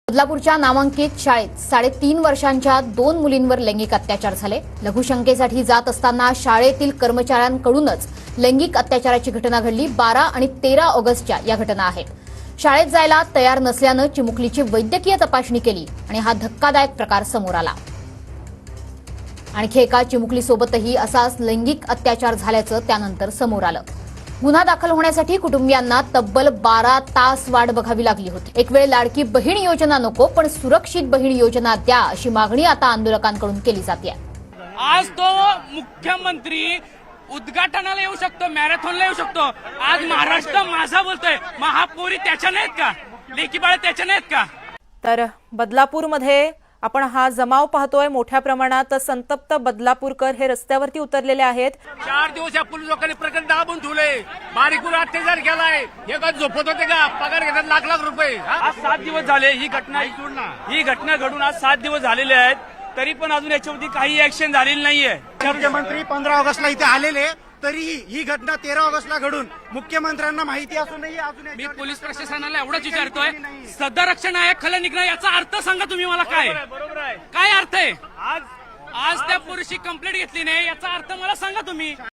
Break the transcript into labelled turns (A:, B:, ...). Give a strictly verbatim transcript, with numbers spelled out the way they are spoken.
A: बदलापूरच्या नामांकित शाळेत साडेतीन वर्षांच्या दोन मुलींवर लैंगिक अत्याचार झाले। लघुशंकेसाठी जात असताना शाळेतील कर्मचाऱ्यांकडूनच लैंगिक अत्याचाराची घटना घडली। बारा आणि तेरा ऑगस्टच्या या घटना आहेत। शाळेत जायला तयार नसल्यानं चिमुकलीची वैद्यकीय तपासणी केली आणि हा धक्कादायक प्रकार समोर आला। आणखी एका चिमुकलीसोबतही असाच लैंगिक अत्याचार झाल्याचं त्यानंतर समोर आलं। गुन्हा दाखल होण्यासाठी कुटुंबियांना तब्बल बारा तास वाट बघावी लागली होती। एक वेळ लाडकी बहीण योजना नको पण सुरक्षित बहीण योजना द्या अशी मागणी आता आंदोलकांकडून केली जाते।
B: आज तो मुख्यमंत्री उद्घाटनाला येऊ शकतो, मॅरेथॉनला येऊ शकतो। आज महाराष्ट्र माझा बोलतोय, महापौरी त्याच्या नाहीत का, लेकी बाळ त्याच्या नाहीत का?
C: तर बदलापूरमध्ये आपण हा जमाव पाहतोय। मोठ्या प्रमाणात संतप्त बदलापूरकर हे रस्त्यावरती उतरलेले आहेत।
B: चार दिवस या पोलीस लोकांनी प्रकरण दाबून ठेवले, बारीकून अत्याचार केलाय। हे का झोपत होते का? पगार घेतात लाख लाख रुपये। आज सात दिवस झाले ही घटना ही घटना घडून आज सात दिवस झालेले आहेत, तरी पण अजून याच्यावरती काही ऍक्शन झालेली नाहीये।
D: मुख्यमंत्री पंधरा ऑगस्टला इथे आलेले, तरीही ही घटना तेरा ऑगस्टला घडून मुख्यमंत्र्यांना माहिती असूनही अजून
B: मी पोलीस प्रशासनाला एवढंच विचारतोय, सदरक्षण नायक खल निघणं याचा अर्थ सांगा तुम्ही मला। काय बरोबर आहे, काय अर्थ आहे? आज आज त्या पुरुषी कंप्लेंट घेतली नाही याचा अर्थ मला सांगा तुम्ही।